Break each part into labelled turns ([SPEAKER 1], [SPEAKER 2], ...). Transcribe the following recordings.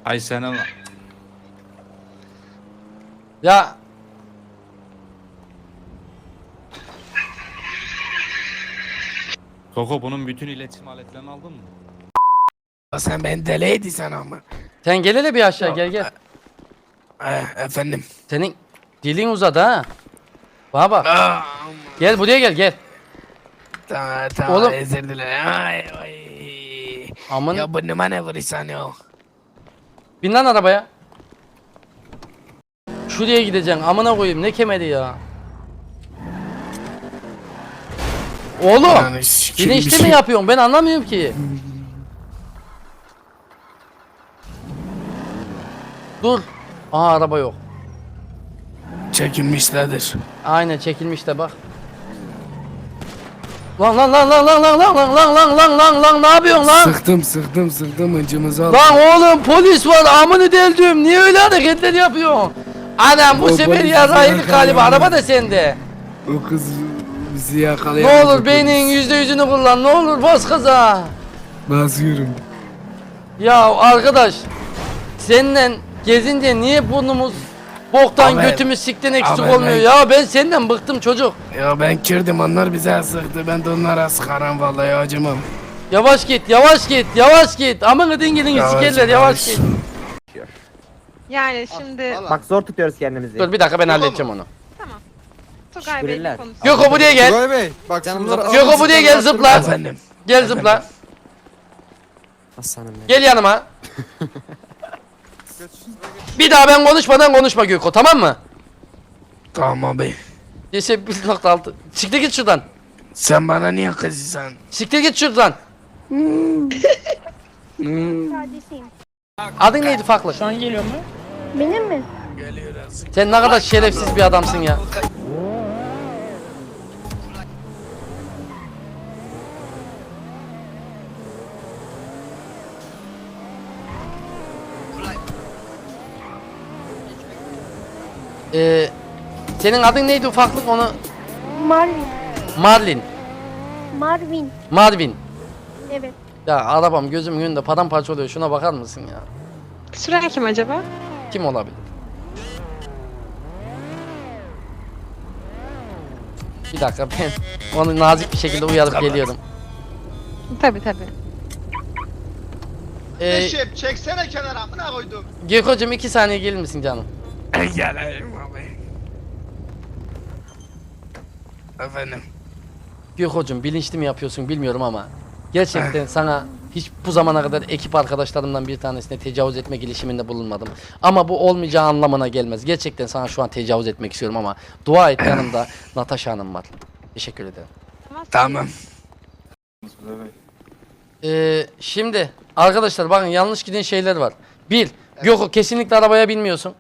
[SPEAKER 1] Ay sen ama.
[SPEAKER 2] Ya
[SPEAKER 1] Koko bunun bütün iletişim aletlerini aldın mı?
[SPEAKER 3] Sen beni deli ediyorsun ama.
[SPEAKER 2] sen gel hele bir aşağı gel.
[SPEAKER 3] Efendim.
[SPEAKER 2] Senin dilin uzadı ha. Bana bak.
[SPEAKER 3] Aa,
[SPEAKER 2] Gel buraya gel.
[SPEAKER 3] tamam
[SPEAKER 2] Oğlum.
[SPEAKER 3] özür dilerim. Ay.
[SPEAKER 2] Aman
[SPEAKER 3] Ya bu numara ne vuruyorsun ya?
[SPEAKER 2] bin lan arabaya. Şuraya gideceksin amına koyayım ne kemeri ya. Oğlum
[SPEAKER 3] Yani sikim bir
[SPEAKER 2] bilinçli
[SPEAKER 3] şey-
[SPEAKER 2] mi yapıyorsun ben anlamıyorum ki. Dur. Aha araba yok.
[SPEAKER 3] Çekilmişlerdir.
[SPEAKER 2] Aynen çekilmiş de bak. Lan ne yapıyorsun lan?
[SPEAKER 3] Sıktım hıncımızı al.
[SPEAKER 2] Lan oğlum polis var amını deldim. Niye öyle hareketler yapıyorsun? Anam bu
[SPEAKER 3] O
[SPEAKER 2] sefer
[SPEAKER 3] polis
[SPEAKER 2] yaraydık
[SPEAKER 3] bizi
[SPEAKER 2] galiba
[SPEAKER 3] yakaladı.
[SPEAKER 2] araba da sende.
[SPEAKER 3] O kız bizi
[SPEAKER 2] Ne
[SPEAKER 3] yakalayamadı.
[SPEAKER 2] olur beynin %100'ünü kullan ne olur bas kaza.
[SPEAKER 3] Basıyorum.
[SPEAKER 2] Ya arkadaş seninle gezince niye burnumuz boktan
[SPEAKER 3] Abi,
[SPEAKER 2] götümüz sikten eksik
[SPEAKER 3] abi,
[SPEAKER 2] olmuyor
[SPEAKER 3] ben-
[SPEAKER 2] ya ben senden bıktım çocuk.
[SPEAKER 3] Ya ben kirdim onlar bize sıktı. Ben de onlara sıkarım vallahi acımam.
[SPEAKER 2] Yavaş git amına dingilini sikerler yavaş git.
[SPEAKER 4] Yani şimdi
[SPEAKER 5] Bak zor tutuyoruz kendimizi.
[SPEAKER 2] Dur bir dakika ben halledeceğim onu.
[SPEAKER 4] Tugay Bey'le
[SPEAKER 5] Şükürler.
[SPEAKER 4] konuşalım.
[SPEAKER 2] Göko buraya gel.
[SPEAKER 6] Tugay Bey bak
[SPEAKER 5] Canım
[SPEAKER 6] şunları
[SPEAKER 5] zaten-
[SPEAKER 6] alın,
[SPEAKER 2] Göko buraya gel zıpla.
[SPEAKER 3] Efendim.
[SPEAKER 2] Gel zıpla.
[SPEAKER 5] Aslanım benim.
[SPEAKER 2] Gel yanıma. Bir daha ben konuşmadan konuşma Göko tamam mı?
[SPEAKER 3] Tamam abi.
[SPEAKER 2] Geçe 1.6. Siktir git şuradan.
[SPEAKER 3] Sen bana niye kızıyorsun?
[SPEAKER 2] Siktir git şuradan.
[SPEAKER 7] Kardeşim.
[SPEAKER 2] Adın neydi farklı?
[SPEAKER 7] Benim mi?
[SPEAKER 3] Geliyoruz.
[SPEAKER 2] Sen ne kadar şerefsiz bir adamsın ya. Senin adın neydi ufaklık onu?
[SPEAKER 7] Marvin.
[SPEAKER 2] Marlin.
[SPEAKER 7] Marvin.
[SPEAKER 2] Marvin.
[SPEAKER 7] Evet.
[SPEAKER 2] Ya arabam gözümün önünde paramparça oluyor. Şuna bakar mısın ya?
[SPEAKER 4] Süren kim acaba?
[SPEAKER 2] Kim olabilir? Bir dakika ben onu nazik bir şekilde uyarıp geliyorum.
[SPEAKER 4] Tabi.
[SPEAKER 6] Eşim çeksene kenara amına koydum.
[SPEAKER 2] Gökocuğum 2 saniye gelir misin canım?
[SPEAKER 3] Gelelim abi. Efendim.
[SPEAKER 2] Gökocuğum bilinçli mi yapıyorsun bilmiyorum ama gerçekten sana hiç bu zamana kadar ekip arkadaşlarımdan bir tanesine tecavüz etme girişiminde bulunmadım. Ama bu olmayacağı anlamına gelmez. Gerçekten sana şu an tecavüz etmek istiyorum ama dua et yanımda Natasha Hanım var. Teşekkür ederim.
[SPEAKER 3] Tamam.
[SPEAKER 2] Şimdi arkadaşlar bakın yanlış giden şeyler var. Bir, Göko kesinlikle arabaya binmiyorsun.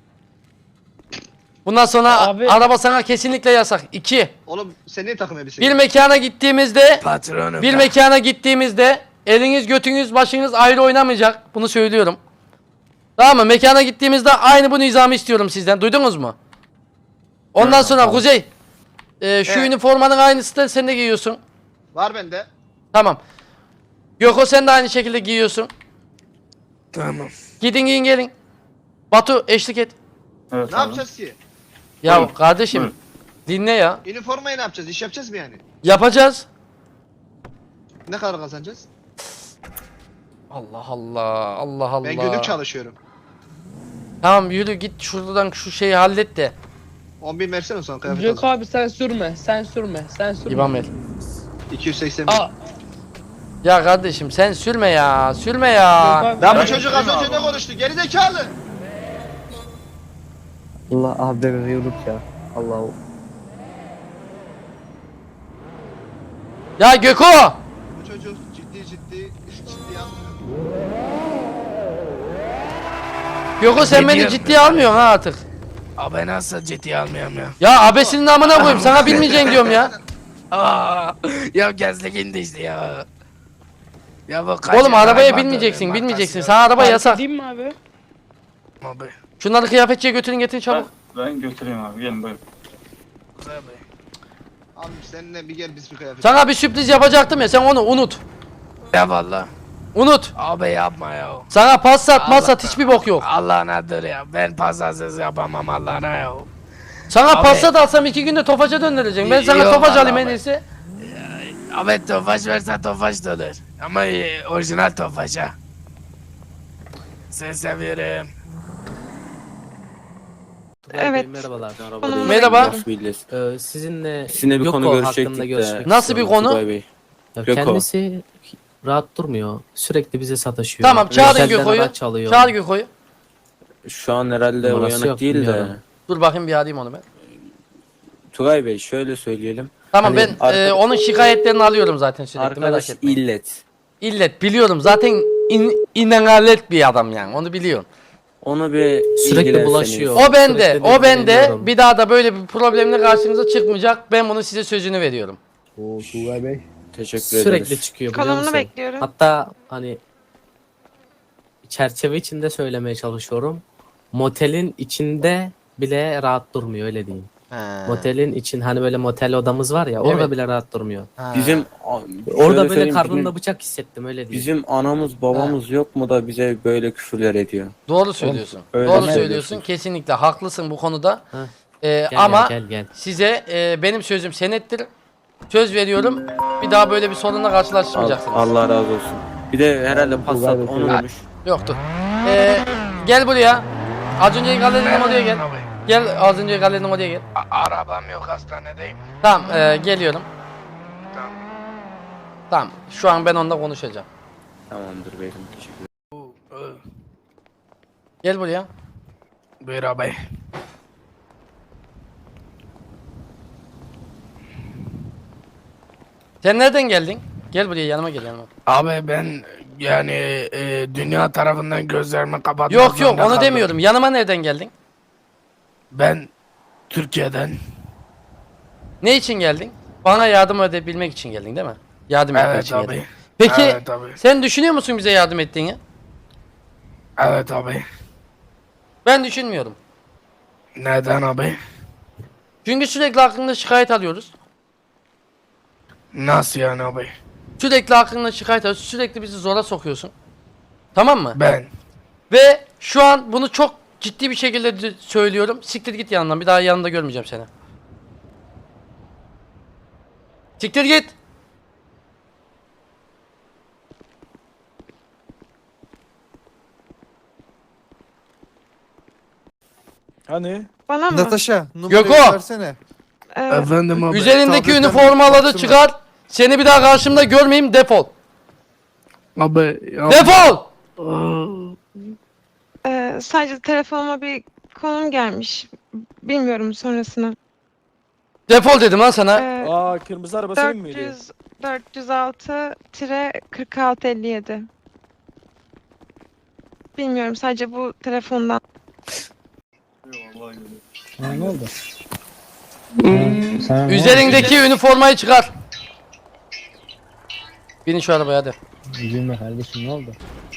[SPEAKER 2] Bundan sonra araba sana kesinlikle yasak. İki,
[SPEAKER 6] Oğlum sen niye takım elbise?
[SPEAKER 2] bir mekana gittiğimizde
[SPEAKER 3] Patronum.
[SPEAKER 2] bir mekana gittiğimizde eliniz götünüz başınız ayrı oynamayacak. Bunu söylüyorum. Tamam mı? Mekana gittiğimizde aynı bu nizamı istiyorum sizden. Duydunuz mu? Ondan sonra Kuzey şu üniformanın aynısını sen de giyiyorsun.
[SPEAKER 6] Var bende.
[SPEAKER 2] Tamam. Göko sen de aynı şekilde giyiyorsun.
[SPEAKER 3] Tamam.
[SPEAKER 2] Gidin giyin gelin. Batu eşlik et.
[SPEAKER 6] Ne yapacağız ki?
[SPEAKER 2] Ya kardeşim dinle ya.
[SPEAKER 6] Üniformayı ne yapacağız? İş yapacağız mı yani?
[SPEAKER 2] Yapacağız.
[SPEAKER 6] Ne kadar kazanacağız?
[SPEAKER 2] Allah Allah.
[SPEAKER 6] Ben günlük çalışıyorum.
[SPEAKER 2] Tamam yürü git şuradan şu şeyi hallet de.
[SPEAKER 6] 10.000 versene sonra kıyafet
[SPEAKER 8] Yok
[SPEAKER 6] alacağım.
[SPEAKER 8] abi sen sürme.
[SPEAKER 2] İmam el.
[SPEAKER 6] 280
[SPEAKER 8] Aa,
[SPEAKER 2] Ya kardeşim sen sürme ya.
[SPEAKER 8] Yok abi,
[SPEAKER 6] Lan bu çocuk az önce ne konuştu? Gerizekalı.
[SPEAKER 5] Allah abi bebeği unut ya. Allah.
[SPEAKER 2] Ya Göko!
[SPEAKER 6] Bu çocuk ciddi yapmıyor.
[SPEAKER 2] Göko sen
[SPEAKER 3] Ne
[SPEAKER 2] beni
[SPEAKER 3] diyorsun?
[SPEAKER 2] ciddiye almıyorsun ha artık.
[SPEAKER 3] Abi nasıl ciddiye almıyorum ya.
[SPEAKER 2] Ya abesinin amına koyayım sana bilmeyeceksin diyorum ya.
[SPEAKER 3] Aa, ya gezlik indi işte ya. Ya bu
[SPEAKER 2] Oğlum arabaya binmeyeceksin. Sana araba
[SPEAKER 8] fark
[SPEAKER 2] yasak.
[SPEAKER 8] edeyim mi abi?
[SPEAKER 3] Abi.
[SPEAKER 2] Şunları kıyafetçiye götürün getirin çabuk.
[SPEAKER 9] Ben götüreyim abi gelin buyurun.
[SPEAKER 6] Abi seninle bir gel biz bir kıyafet.
[SPEAKER 2] Sana bir sürpriz yapacaktım ya sen onu unut.
[SPEAKER 3] Ya valla.
[SPEAKER 2] Unut.
[SPEAKER 3] Abi yapma ya.
[SPEAKER 2] Sana pas sat
[SPEAKER 3] Allah-
[SPEAKER 2] masat hiçbir bok yok.
[SPEAKER 3] Allah nedir ya? Ben pasasız yapamam Allah'ına ya.
[SPEAKER 2] Sana
[SPEAKER 3] Abi-
[SPEAKER 2] pas sat alsam 2 günde Tofaş'a döndüreceğim. Ben sana
[SPEAKER 3] Yok
[SPEAKER 2] Tofaş
[SPEAKER 3] vallahi
[SPEAKER 2] alayım en
[SPEAKER 3] abi.
[SPEAKER 2] iyisi.
[SPEAKER 3] Abi Tofaş verse Tofaş da olur. Ama orijinal Tofaş ha. Seni seviyorum.
[SPEAKER 4] Evet.
[SPEAKER 8] Merhabalar.
[SPEAKER 4] Konumu
[SPEAKER 2] Merhaba.
[SPEAKER 4] bekliyorum.
[SPEAKER 8] Sizinle
[SPEAKER 10] bir konu görüşecektik de.
[SPEAKER 8] görüşmek
[SPEAKER 2] Nasıl bir
[SPEAKER 8] istiyorum.
[SPEAKER 2] konu?
[SPEAKER 10] Tugay Bey.
[SPEAKER 8] Ya
[SPEAKER 10] Göko.
[SPEAKER 8] kendisi rahat durmuyor. Sürekli bize sataşıyor.
[SPEAKER 2] Tamam çağırın
[SPEAKER 8] Özelden
[SPEAKER 2] Göko'yu.
[SPEAKER 8] araç çalıyor.
[SPEAKER 2] Çağır Göko'yu.
[SPEAKER 10] Şu an herhalde
[SPEAKER 8] Numarası
[SPEAKER 10] uyanık
[SPEAKER 8] yok,
[SPEAKER 10] değil de.
[SPEAKER 8] bilmiyorum.
[SPEAKER 2] Dur bakayım bir arayayım onu ben.
[SPEAKER 10] Tugay Bey şöyle söyleyelim.
[SPEAKER 2] Tamam
[SPEAKER 10] Hani
[SPEAKER 2] ben onun şikayetlerini alıyorum zaten sürekli merak
[SPEAKER 10] Arkadaş
[SPEAKER 2] etme.
[SPEAKER 10] illet.
[SPEAKER 2] İllet biliyorum zaten inalet bir adam yani onu biliyorsun.
[SPEAKER 10] Onu bir
[SPEAKER 8] Sürekli
[SPEAKER 10] ilgilenseniz.
[SPEAKER 8] bulaşıyor.
[SPEAKER 2] O bende,
[SPEAKER 8] Sürekli
[SPEAKER 2] o bende.
[SPEAKER 8] dinleniyorum.
[SPEAKER 2] Bir daha da böyle bir problemle karşınıza çıkmayacak. Ben bunu size sözünü veriyorum.
[SPEAKER 10] Teşekkür
[SPEAKER 8] Sürekli
[SPEAKER 10] ederiz.
[SPEAKER 8] çıkıyor biliyor
[SPEAKER 4] Konumunu
[SPEAKER 8] musun?
[SPEAKER 4] bekliyorum.
[SPEAKER 8] Hatta hani çerçeve içinde söylemeye çalışıyorum. Motelin içinde bile rahat durmuyor öyle diyeyim. Motelin için hani böyle motel odamız var ya orada
[SPEAKER 2] Evet.
[SPEAKER 8] bile rahat durmuyor.
[SPEAKER 10] Bizim
[SPEAKER 8] Orada böyle
[SPEAKER 10] söyleyeyim,
[SPEAKER 8] karnında bıçak hissettim öyle diyeyim.
[SPEAKER 10] bizim anamız babamız yok mu da bize böyle küfürler ediyor.
[SPEAKER 2] Doğru söylüyorsun.
[SPEAKER 10] Öyle
[SPEAKER 2] Doğru
[SPEAKER 10] mi
[SPEAKER 2] söylüyorsun.
[SPEAKER 10] söylüyorsun?
[SPEAKER 2] Kesinlikle haklısın bu konuda.
[SPEAKER 8] Heh. Gel
[SPEAKER 2] Ama
[SPEAKER 8] gel.
[SPEAKER 2] size benim sözüm senettir. Söz veriyorum. Bir daha böyle bir sorunla karşılaşmayacaksınız.
[SPEAKER 10] Allah razı olsun. Bir de herhalde Passat onu demiş.
[SPEAKER 2] Yoktur. Gel buraya. Az önce galerinin oraya gel. Gel az önce galerinin oraya gel.
[SPEAKER 3] Arabam yok hastanedeyim.
[SPEAKER 2] Tamam geliyorum.
[SPEAKER 3] Tamam.
[SPEAKER 2] Tamam şu an ben onunla konuşacağım.
[SPEAKER 10] Tamamdır beyim. Teşekkür ederim.
[SPEAKER 2] Gel buraya.
[SPEAKER 3] Buyur abi.
[SPEAKER 2] Sen nereden geldin? Gel buraya yanıma gel yanıma.
[SPEAKER 3] Abi ben yani dünya tarafından gözlerimi kapatmak
[SPEAKER 2] Yok yok
[SPEAKER 3] zorunda
[SPEAKER 2] onu
[SPEAKER 3] kaldım.
[SPEAKER 2] demiyorum. Yanıma nereden geldin?
[SPEAKER 3] Ben Türkiye'den.
[SPEAKER 2] Ne için geldin? Bana yardım edebilmek için geldin değil mi? Yardım etmek
[SPEAKER 3] Evet
[SPEAKER 2] için geldin.
[SPEAKER 3] abi.
[SPEAKER 2] Peki
[SPEAKER 3] Evet abi.
[SPEAKER 2] sen düşünüyor musun bize yardım ettiğini?
[SPEAKER 3] Evet abi.
[SPEAKER 2] Ben düşünmüyorum.
[SPEAKER 3] Neden abi?
[SPEAKER 2] Çünkü sürekli hakkında şikayet alıyoruz.
[SPEAKER 3] Nasıl yani abi?
[SPEAKER 2] Sürekli hakkında şikayet alıyoruz. Sürekli bizi zora sokuyorsun. Tamam mı?
[SPEAKER 3] Ben.
[SPEAKER 2] Ve şu an bunu çok ciddi bir şekilde söylüyorum. Siktir git yanından. Bir daha yanında görmeyeceğim seni. Siktir git.
[SPEAKER 1] Hani?
[SPEAKER 4] Bana mı?
[SPEAKER 1] Natasha, numarayı
[SPEAKER 2] Göko!
[SPEAKER 1] versene.
[SPEAKER 3] Efendim abi.
[SPEAKER 2] Üzerindeki
[SPEAKER 1] tabletten
[SPEAKER 2] üniformaları
[SPEAKER 1] baksana.
[SPEAKER 2] çıkar. Seni bir daha karşımda görmeyeyim. Defol.
[SPEAKER 3] Abi.
[SPEAKER 2] Defol.
[SPEAKER 4] Sadece telefonuma bir konum gelmiş. Bilmiyorum sonrasını.
[SPEAKER 2] Defol dedim lan sana.
[SPEAKER 1] Aa, kırmızı araba senin miydi?
[SPEAKER 4] 406-4657. Bilmiyorum sadece bu telefondan.
[SPEAKER 5] Ne oldu?
[SPEAKER 2] Üzerindeki üniformayı çıkar. Binin şu arabaya hadi.
[SPEAKER 5] Üzülme kardeşim ne oldu?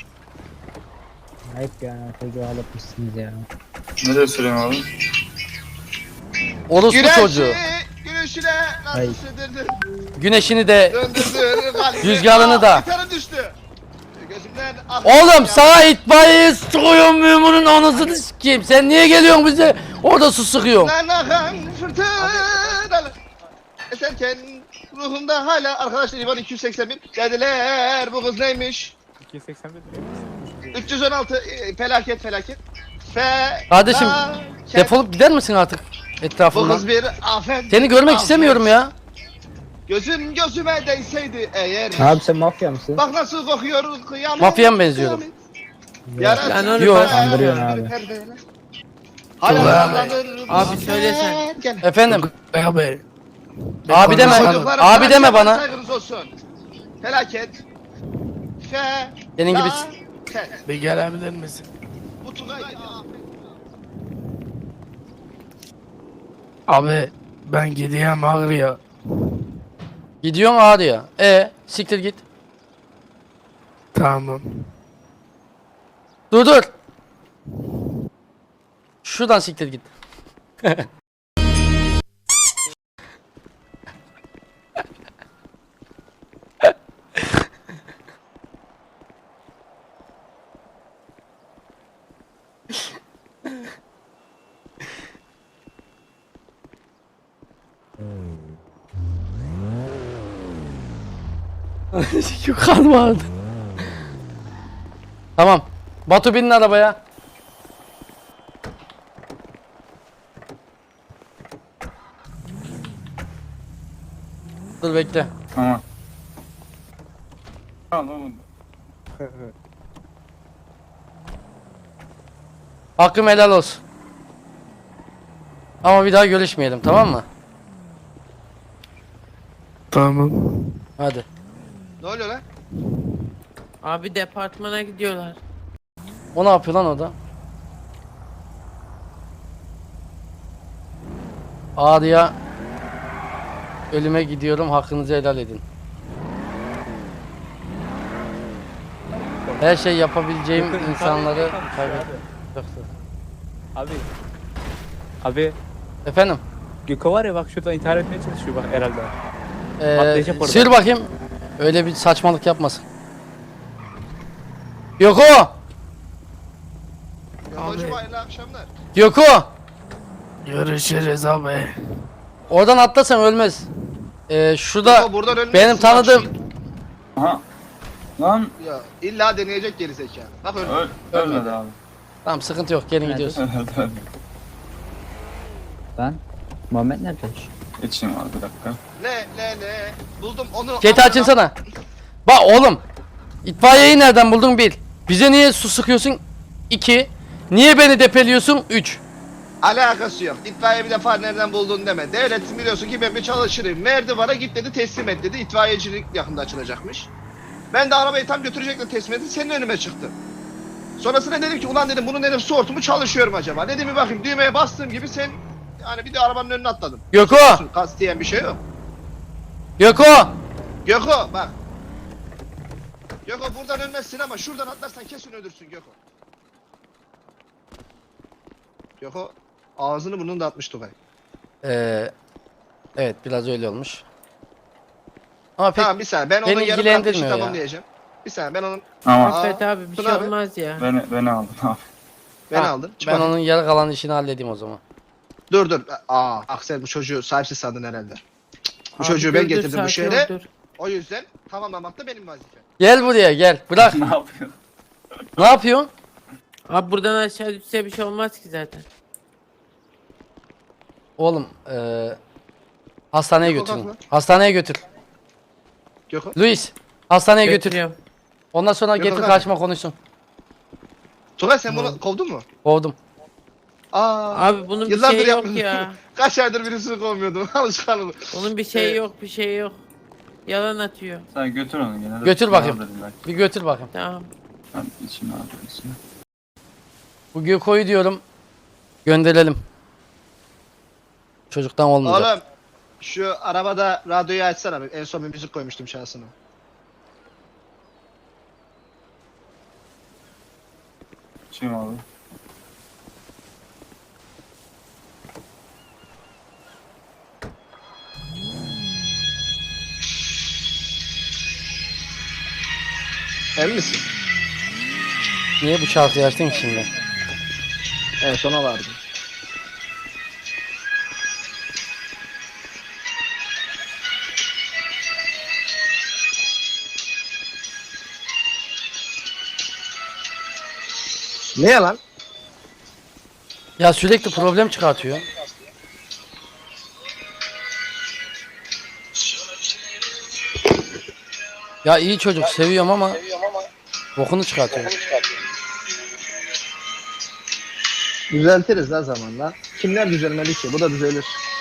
[SPEAKER 5] Ayıp ya çocuğu ağlatmışsınız ya.
[SPEAKER 9] Ne söyleyeyim abi?
[SPEAKER 2] Orospu çocuğu.
[SPEAKER 6] Güneşine nasıl
[SPEAKER 5] Hayır.
[SPEAKER 6] sığdırdın?
[SPEAKER 2] Güneşini de
[SPEAKER 6] Döndürdün kalbimi.
[SPEAKER 2] Rüzgarını da.
[SPEAKER 6] Gitarı düştü. Gözümden ah.
[SPEAKER 2] Oğlum sana itfaiye sıkıyorum mümunun anasını sikeyim. Sen niye geliyorsun bize? Orada su sıkıyorsun.
[SPEAKER 6] Lan akan fırtınalı. Eserken ruhumda hala arkadaşlar İvan 281 dediler bu kız neymiş? 316 felaket.
[SPEAKER 2] Kardeşim,
[SPEAKER 6] Felaket.
[SPEAKER 2] Defolup gider misin artık
[SPEAKER 6] Bu
[SPEAKER 2] etrafımdan?
[SPEAKER 6] kız bir afet.
[SPEAKER 2] Seni görmek
[SPEAKER 6] afet.
[SPEAKER 2] istemiyorum ya.
[SPEAKER 6] Gözüm gözüme değseydi eğer.
[SPEAKER 5] Abi sen mafya mısın?
[SPEAKER 6] Bak nasıl kokuyor kıyamet.
[SPEAKER 2] Mafya mı benziyorum?
[SPEAKER 6] Yarası.
[SPEAKER 2] Yok.
[SPEAKER 5] Kandırıyorsun abi.
[SPEAKER 6] Hala
[SPEAKER 3] Tugay abi.
[SPEAKER 6] sallanır.
[SPEAKER 3] Abi söylesen.
[SPEAKER 6] Gel.
[SPEAKER 2] Efendim,
[SPEAKER 3] Abi.
[SPEAKER 2] abi deme.
[SPEAKER 6] Çocuklarım,
[SPEAKER 2] Abi deme bana.
[SPEAKER 6] Saygınız olsun. Felaket.
[SPEAKER 2] Senin gibi
[SPEAKER 3] Bir gelebilir misin?
[SPEAKER 6] Bu Tugay.
[SPEAKER 3] Abi ben gideyim Ağrı'ya.
[SPEAKER 2] gidiyorsun ağrıya. Siktir git.
[SPEAKER 3] Tamam.
[SPEAKER 2] Dur. Şuradan siktir git. Yukarı vardı. Tamam. Batu binin arabaya. Dur bekle.
[SPEAKER 9] Tamam. Tamam.
[SPEAKER 2] Hakkım helal olsun. Ama bir daha görüşmeyelim, tamam mı?
[SPEAKER 3] Tamam.
[SPEAKER 2] Hadi.
[SPEAKER 6] Ne oluyor lan?
[SPEAKER 3] Abi departmana gidiyorlar.
[SPEAKER 2] O ne yapıyor lan o da? Ağrıya ölüme gidiyorum, hakkınızı helal edin. Her şey yapabileceğim insanları kaybettim.
[SPEAKER 1] Abi. Abi.
[SPEAKER 2] Efendim?
[SPEAKER 1] Gökhan var ya bak şurada intihar etmeye çalışıyor bak herhalde. Patlayacak orada.
[SPEAKER 2] Sür bakayım. Öyle bir saçmalık yapmasın. Yoko!
[SPEAKER 6] Ya hocam hayırlı akşamlar.
[SPEAKER 2] Yoko!
[SPEAKER 3] Görüşürüz abi.
[SPEAKER 2] Oradan atlasan ölmez. Şurada
[SPEAKER 6] Ama buradan ölmezsin,
[SPEAKER 2] benim
[SPEAKER 6] bak
[SPEAKER 2] tanıdığım...
[SPEAKER 9] Aha. Lan
[SPEAKER 6] Ya illa deneyecek geri zekalı. Bak öyle.
[SPEAKER 9] ölmedi abi.
[SPEAKER 2] Tamam sıkıntı yok, gelin gidiyoruz.
[SPEAKER 5] Ben? Muhammed nerede?
[SPEAKER 9] Geçeyim abi bir dakika.
[SPEAKER 6] Ne. Buldum onu.
[SPEAKER 2] Chat'i açınsana. Bak oğlum. İtfaiyeyi nereden buldun? 1. Bize niye su sıkıyorsun? 2. Niye beni depeliyorsun? 3.
[SPEAKER 6] Alakası yok. İtfaiye bir defa nereden buldun deme. Devlet biliyorsun ki ben bir çalışırım. Merdivana git dedi, teslim et dedi. İtfaiyecilik yakında açılacakmış. Ben de arabayı tam götürecektim, teslim ettim. Senin önüme çıktı. Sonrasında dedim ki ulan dedim bunun dedim su hortumu çalışıyor mu acaba? Dedim bir bakayım, düğmeye bastığım gibi sen yani bir de arabanın önüne atladım.
[SPEAKER 2] Göko!
[SPEAKER 6] Kas diyen bir şey yok.
[SPEAKER 2] Göko!
[SPEAKER 6] Göko bak. Göko buradan ölmezsin ama şuradan atlarsan kesin ölürsün Göko. Göko ağzını burnunu da atmış Tugay.
[SPEAKER 2] Evet biraz öyle olmuş. Ama pek
[SPEAKER 6] Tamam bir saniye ben
[SPEAKER 2] beni
[SPEAKER 6] onun yarım
[SPEAKER 2] ilgilendirmiyor
[SPEAKER 6] işi
[SPEAKER 2] ya.
[SPEAKER 6] tamamlayacağım. Bir saniye ben onun
[SPEAKER 9] Ama
[SPEAKER 3] Affet abi bir
[SPEAKER 6] Tuna
[SPEAKER 3] şey
[SPEAKER 6] abi.
[SPEAKER 3] olmaz ya.
[SPEAKER 9] beni aldın abi.
[SPEAKER 6] beni
[SPEAKER 2] Ha,
[SPEAKER 6] aldın. Çık
[SPEAKER 2] ben
[SPEAKER 6] bakayım.
[SPEAKER 2] onun yarı kalan işini halledeyim o zaman.
[SPEAKER 6] Dur. Aksel bu çocuğu sahipsiz sandın herhalde. Bu
[SPEAKER 3] Abi
[SPEAKER 6] çocuğu
[SPEAKER 3] dur,
[SPEAKER 6] ben
[SPEAKER 3] dur,
[SPEAKER 6] getirdim bu
[SPEAKER 3] sakin
[SPEAKER 6] şehre.
[SPEAKER 3] ol, dur.
[SPEAKER 6] O yüzden tamamlamak da benim vazifem.
[SPEAKER 2] Gel buraya gel. Bırak.
[SPEAKER 9] Ne yapıyorsun?
[SPEAKER 2] Ne yapıyorsun?
[SPEAKER 3] Abi buradan aşağı düşse bir şey olmaz ki zaten.
[SPEAKER 2] Oğlum hastaneye
[SPEAKER 6] Gökhan
[SPEAKER 2] götürün.
[SPEAKER 6] kalk lan.
[SPEAKER 2] Hastaneye götür.
[SPEAKER 6] Göko.
[SPEAKER 2] Luis hastaneye götür.
[SPEAKER 3] Götürüyorum.
[SPEAKER 2] Ondan sonra
[SPEAKER 6] Gökhan
[SPEAKER 2] getir
[SPEAKER 6] kalk.
[SPEAKER 2] karşıma konuşsun.
[SPEAKER 6] Tugay sen bunu kovdun mu?
[SPEAKER 2] Kovdum.
[SPEAKER 3] Abi bunun bir
[SPEAKER 6] Yıllardır
[SPEAKER 3] şey yok
[SPEAKER 6] yapmıyorum.
[SPEAKER 3] ya.
[SPEAKER 6] Kaç aydır birisini kovmuyordum. Alışkanlık.
[SPEAKER 3] Bunun bir şey yok, bir şey yok. Yalan atıyor.
[SPEAKER 9] Sen götür onu gene de.
[SPEAKER 2] Götür bakayım.
[SPEAKER 9] Alırım belki.
[SPEAKER 2] Bir götür bakayım.
[SPEAKER 3] Tamam.
[SPEAKER 9] Ben içime alırım içime.
[SPEAKER 2] Bu Göko'yu diyorum gönderelim. Çocuktan olmayacak.
[SPEAKER 6] Oğlum şu arabada radyoyu açsana. En son bir müzik koymuştum şansına.
[SPEAKER 9] İçeyim abi.
[SPEAKER 6] Emin misin?
[SPEAKER 2] Niye bu şarkıyı açtın ki şimdi?
[SPEAKER 6] En sona vardı. Ne yalan?
[SPEAKER 2] Ya sürekli problem çıkartıyor. Ya iyi çocuk seviyorum ama bokunu çıkartıyor.
[SPEAKER 6] Düzeltiriz la zamanla. Kimler düzelmeli ki? Bu da düzelir.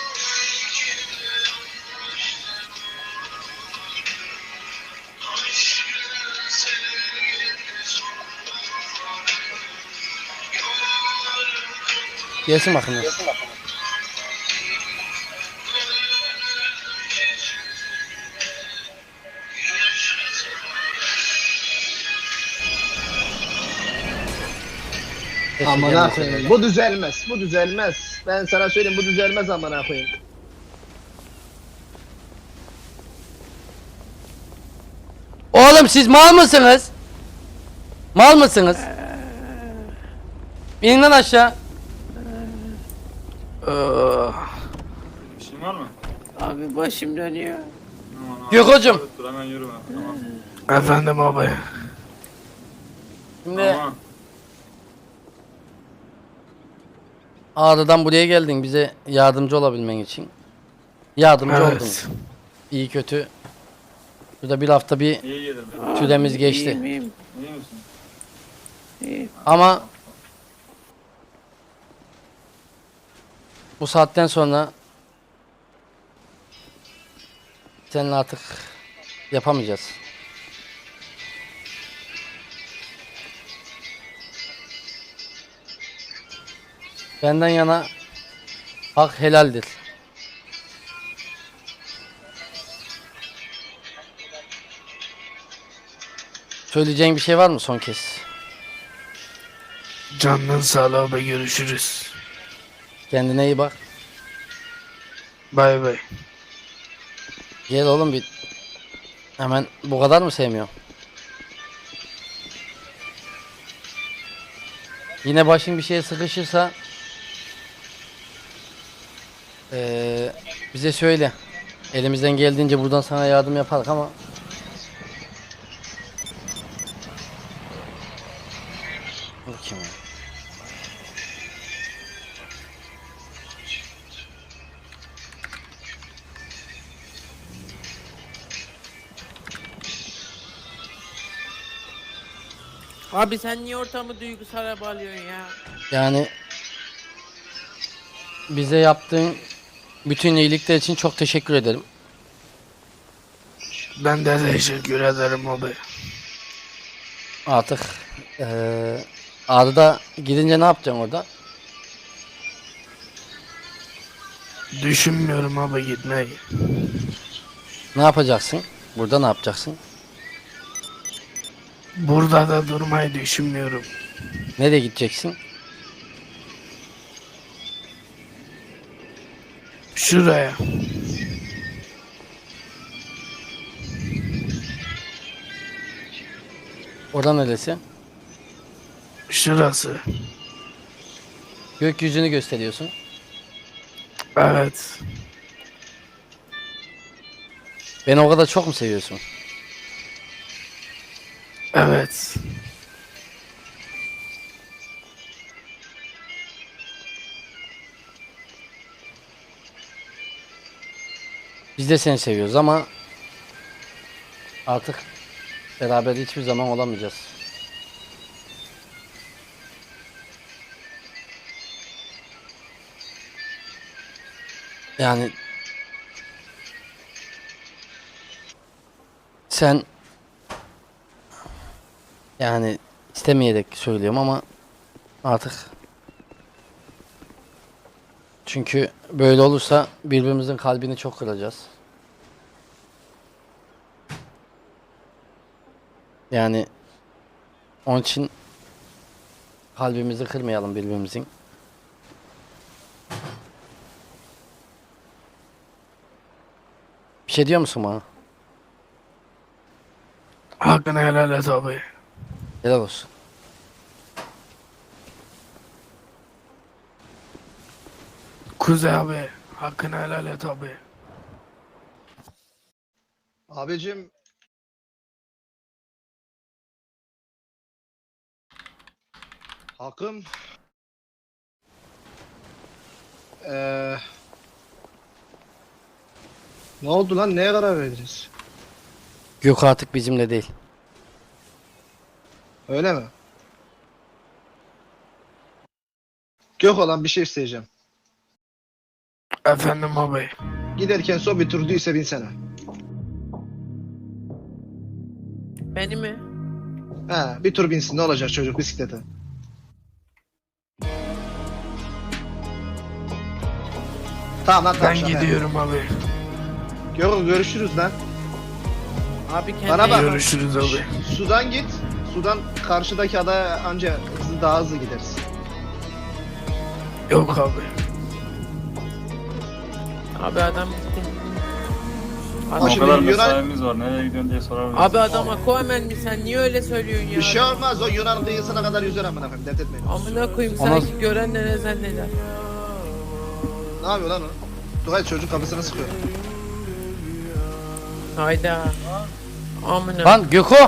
[SPEAKER 2] Gelsin bakın.
[SPEAKER 6] Amına koyayım. Bu düzelmez. Bu düzelmez. Ben sana söyleyeyim bu düzelmez amına koyayım.
[SPEAKER 2] Oğlum siz mal mısınız? Mal mısınız? İnin lan aşağı.
[SPEAKER 9] Bir şeyin var mı?
[SPEAKER 3] Abi başım dönüyor.
[SPEAKER 9] Aman
[SPEAKER 2] Gökhan'cığım.
[SPEAKER 9] Dur hemen yürüme. Tamam.
[SPEAKER 3] Efendim abi.
[SPEAKER 2] Şimdi
[SPEAKER 9] Tamam.
[SPEAKER 2] Ağrı'dan buraya geldin bize yardımcı olabilmen için. Yardımcı
[SPEAKER 3] Evet.
[SPEAKER 2] oldun. İyi kötü. Burada bir hafta bir
[SPEAKER 9] İyi gelir.
[SPEAKER 2] süremiz geçti.
[SPEAKER 9] İyi misin?
[SPEAKER 2] Ama bu saatten sonra seninle artık yapamayacağız. Benden yana hak helaldir. Söyleyeceğin bir şey var mı son kez?
[SPEAKER 3] Canın sağlığı abi, görüşürüz.
[SPEAKER 2] Kendine iyi bak.
[SPEAKER 3] Bay bay.
[SPEAKER 2] Gel oğlum bir. Hemen bu kadar mı sevmiyor? Yine başın bir şeye sıkışırsa bize söyle. Elimizden geldiğince buradan sana yardım yaparız ama bu kim ya?
[SPEAKER 11] Abi sen niye ortamı duygusala bağlıyorsun ya?
[SPEAKER 2] Yani bize yaptığın bütün iyilikler için çok teşekkür ederim.
[SPEAKER 3] Ben de teşekkür ederim abi.
[SPEAKER 2] Artık Ağrı'da gidince ne yapacaksın orada?
[SPEAKER 3] Düşünmüyorum abi gitmeyi.
[SPEAKER 2] Ne yapacaksın? Burada ne yapacaksın?
[SPEAKER 3] Burada da durmayı düşünmüyorum.
[SPEAKER 2] Nereye gideceksin?
[SPEAKER 3] Şuraya.
[SPEAKER 2] Orada neresi?
[SPEAKER 3] Şurası.
[SPEAKER 2] Gökyüzünü gösteriyorsun.
[SPEAKER 3] Evet.
[SPEAKER 2] Beni o kadar çok mu seviyorsun?
[SPEAKER 3] Evet.
[SPEAKER 2] Biz de seni seviyoruz ama artık beraber hiçbir zaman olamayacağız. Yani sen yani istemeyerek söylüyorum ama artık çünkü böyle olursa birbirimizin kalbini çok kıracağız. Yani onun için kalbimizi kırmayalım birbirimizin. Bir şey diyor musun bana?
[SPEAKER 3] Hakkını helal et abi.
[SPEAKER 2] Helal olsun.
[SPEAKER 3] Kuzey abi. Hakkını helal et abi.
[SPEAKER 6] Abicim Hakkım ne oldu lan? Neye karar verdiniz?
[SPEAKER 2] Gök artık bizimle değil.
[SPEAKER 6] Öyle mi? Gök olan bir şey isteyeceğim.
[SPEAKER 3] Efendim abi.
[SPEAKER 6] Giderken son bir turduysa binsene.
[SPEAKER 11] Beni mi?
[SPEAKER 6] He, bir tur binsin, ne olacak çocuk bisiklete. Tamam lan, tamam.
[SPEAKER 3] Ben
[SPEAKER 6] şaka
[SPEAKER 3] gidiyorum abi.
[SPEAKER 6] yapıyorum. Görüşürüz lan.
[SPEAKER 11] Abi kendine
[SPEAKER 6] Bana bak.
[SPEAKER 3] Görüşürüz abi.
[SPEAKER 6] Sudan git. Sudan karşıdaki adaya anca daha hızlı gideriz.
[SPEAKER 3] Yok abi.
[SPEAKER 11] Abi adam gitti.
[SPEAKER 6] Ama
[SPEAKER 9] O
[SPEAKER 6] şimdi
[SPEAKER 9] kadar
[SPEAKER 6] Yunan-
[SPEAKER 9] mesaimiz var. Nereye gidiyorsun diye sorabiliriz.
[SPEAKER 11] Abi adam Aquaman mi, sen niye öyle söylüyorsun ya?
[SPEAKER 6] Bir şey olmaz, o Yunan kıyısına kadar yüzer amına koyayım, dert etmeyin.
[SPEAKER 11] Amına koyayım,
[SPEAKER 2] Ama-
[SPEAKER 11] sanki gören ne zanneder.
[SPEAKER 6] Ne yapıyor lan o? Tugay çocuk kafasını sıkıyor.
[SPEAKER 11] Hayda. Amına.
[SPEAKER 2] Lan Göko!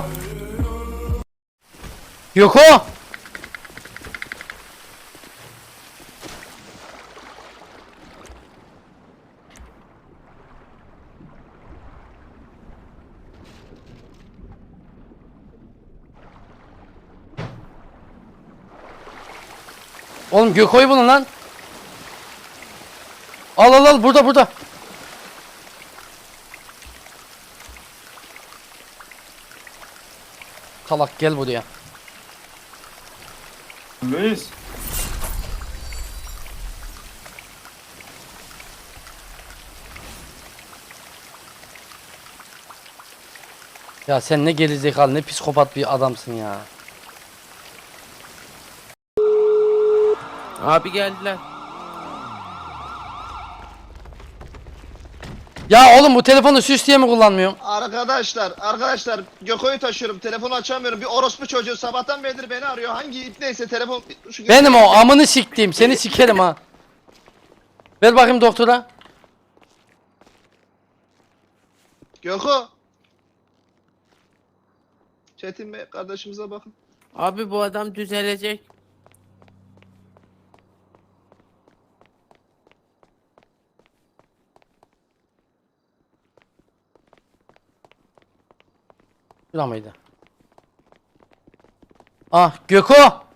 [SPEAKER 2] Göko! Oğlum Göko'yu bulun lan. Al burada. Salak gel buraya.
[SPEAKER 9] Luis.
[SPEAKER 2] Ya sen ne gerizekalı ne psikopat bir adamsın ya.
[SPEAKER 11] Abi geldiler.
[SPEAKER 2] Ya oğlum bu telefonu süs diye mi kullanmıyorsun?
[SPEAKER 6] Arkadaşlar Göko'yu taşıyorum. Telefonu açamıyorum. Bir orospu çocuğu sabahtan beridir beni arıyor. Hangi ip neyse telefon...
[SPEAKER 2] Benim o amını siktiğim seni sikerim ha. Ver bakayım doktora.
[SPEAKER 6] Göko. Çetin Bey kardeşimize bakın.
[SPEAKER 11] Abi bu adam düzelecek.
[SPEAKER 2] Şura mıydı? Ah Göko.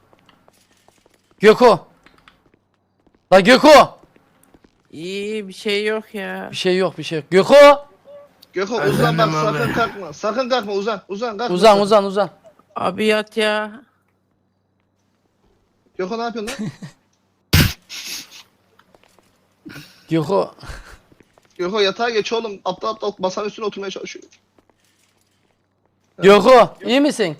[SPEAKER 2] Göko. La Göko.
[SPEAKER 11] İyi bir şey yok ya.
[SPEAKER 2] Bir şey yok. Göko.
[SPEAKER 6] Göko uzan bak
[SPEAKER 3] Efendim abi.
[SPEAKER 6] sakın kalkma. Sakın kalkma uzan. Kalkma.
[SPEAKER 2] Uzan.
[SPEAKER 11] Abi yat ya.
[SPEAKER 6] Göko ne yapıyorsun lan?
[SPEAKER 2] Göko.
[SPEAKER 6] Göko yatağa geç oğlum. Aptal masanın üstüne oturmaya çalışıyor.
[SPEAKER 2] Göko iyi misin?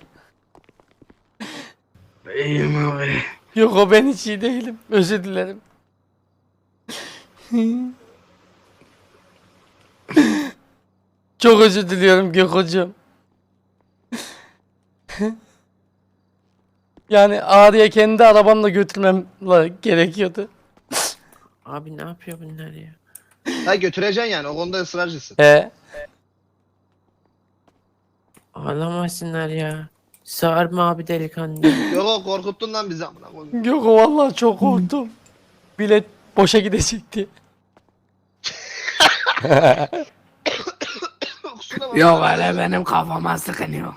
[SPEAKER 3] İyiyim abi.
[SPEAKER 2] Göko ben hiç iyi değilim. Özür dilerim. Çok özür diliyorum Gökocuğum. Yani Ağrı'ya kendi arabamla götürmem gerekiyordu.
[SPEAKER 11] Abi ne yapıyor bunlar ya?
[SPEAKER 6] Ha götüreceksin yani o konuda ısrarcısın.
[SPEAKER 11] Ağlamasınlar ya. Sarma abi delikanlı.
[SPEAKER 6] Göko korkuttun lan bizi amına koyayım.
[SPEAKER 2] Göko vallahi çok korktum. Bilet boşa gidecekti.
[SPEAKER 6] Kusura bakma.
[SPEAKER 3] Yok öyle benim kafama sıkınıyor.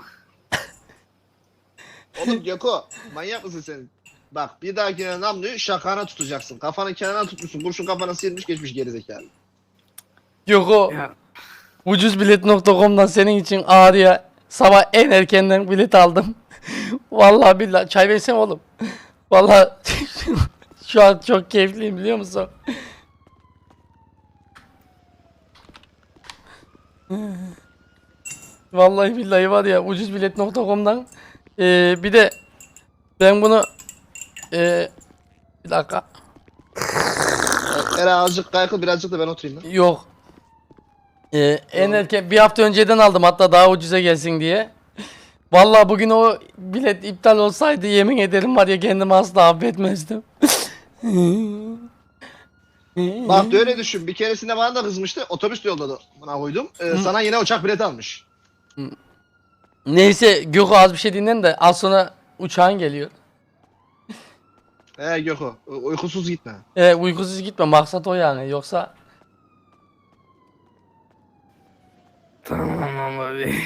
[SPEAKER 6] Oğlum Göko manyak mısın sen? Bak bir dahakine namluyu şakana tutacaksın. Kafanın kenarına tutmuşsun. Kurşun kafana sıyırmış geçmiş gerizekalı.
[SPEAKER 2] Göko
[SPEAKER 3] Ya.
[SPEAKER 2] ucuzbilet.com'dan senin için Ağrı'ya sabah en erkenden bilet aldım. Vallahi billahi çay versene oğlum. Vallahi şu an çok keyifliyim biliyor musun? Vallahi billahi var ya ucuzbilet.com'dan bir de ben bunu bir dakika
[SPEAKER 6] Era azıcık kaykıl birazcık da ben oturayım lan.
[SPEAKER 2] yok en erken bir hafta önceden aldım hatta daha ucuza gelsin diye. Vallahi bugün o bilet iptal olsaydı yemin ederim var ya kendimi asla affetmezdim.
[SPEAKER 6] Bak öyle düşün. Bir keresinde bana da kızmıştı. Otobüs yolladı. Buna koydum. Sana yine uçak bileti almış.
[SPEAKER 2] Neyse Gökü az bir şey dinlen de az sonra uçağın geliyor.
[SPEAKER 6] Göko uykusuz gitme.
[SPEAKER 2] Uykusuz gitme maksat o yani yoksa
[SPEAKER 3] Tamam abi.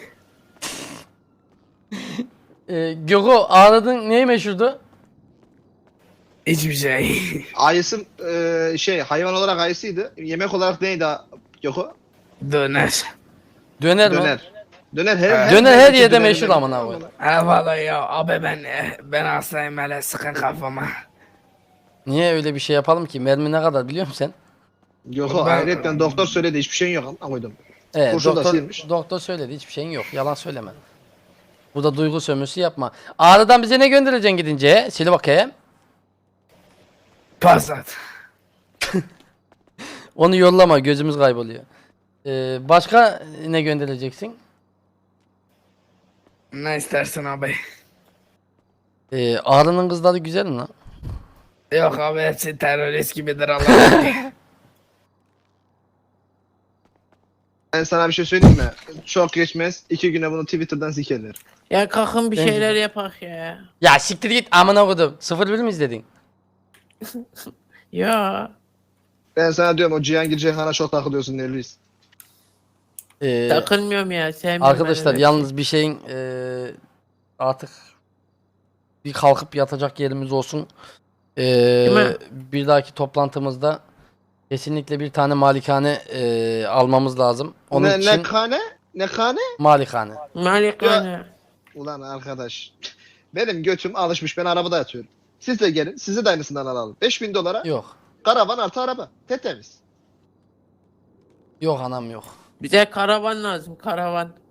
[SPEAKER 2] Gökü ağladın neyi meşhurdu?
[SPEAKER 3] Hiçbir şey.
[SPEAKER 6] Ayısı hayvan olarak ayısıydı. Yemek olarak neydi Göko?
[SPEAKER 3] Döner.
[SPEAKER 2] Döner mi?
[SPEAKER 6] Döner
[SPEAKER 2] Döner her yerde meşhur amına koyayım.
[SPEAKER 3] Vallahi ya abi ben hastayım hele sıkın kafama.
[SPEAKER 2] Niye öyle bir şey yapalım ki? Mermi ne kadar biliyor musun sen?
[SPEAKER 6] Göko hayretten doktor söyledi hiçbir şeyin yok amına koydum.
[SPEAKER 2] Evet,
[SPEAKER 6] Kurşun da sıyırmış.
[SPEAKER 2] doktor söyledi hiçbir şeyin yok. Yalan söyleme. Burada duygu sömürüsü yapma. Ağrı'dan bize ne göndereceksin gidince? Sil bakayım.
[SPEAKER 3] Passat.
[SPEAKER 2] Onu yollama gözümüz kayboluyor. Başka ne göndereceksin?
[SPEAKER 3] Ne istersin abi?
[SPEAKER 2] Ağrı'nın kızları güzel mi lan?
[SPEAKER 3] Yok abi hepsi terörist gibidir Allah'ım.
[SPEAKER 6] Ben sana bir şey söyleyeyim mi? Çok geçmez. 2 güne bunu Twitter'dan sikerler.
[SPEAKER 11] Ya kalkın bir
[SPEAKER 2] Bence
[SPEAKER 11] şeyler
[SPEAKER 2] de.
[SPEAKER 11] yapak ya.
[SPEAKER 2] Ya siktir git amına kodum. 01 mi izledin?
[SPEAKER 11] Ya.
[SPEAKER 6] Ben sana diyorum o Cihangir Ceyhan'a çok takılıyorsun Nelvis.
[SPEAKER 11] Takılmıyorum ya. Sevmiyorum
[SPEAKER 2] Arkadaşlar
[SPEAKER 11] ben öyle
[SPEAKER 2] yalnız bir şeyin artık bir kalkıp yatacak yerimiz olsun.
[SPEAKER 11] mi?
[SPEAKER 2] Bir dahaki toplantımızda kesinlikle bir tane malikane almamız lazım. Onun
[SPEAKER 6] Ne
[SPEAKER 2] için
[SPEAKER 6] kane? Ne kane?
[SPEAKER 2] malikane.
[SPEAKER 11] şey. Malikane.
[SPEAKER 6] Ulan arkadaş. Benim götüm alışmış. Ben arabada yatıyorum. Siz de gelin. Sizi de aynısından alalım. 5000 dolara
[SPEAKER 2] Yok.
[SPEAKER 6] karavan artı araba. Tetemiz.
[SPEAKER 2] Yok anam yok.
[SPEAKER 11] Bize karavan lazım. Karavan.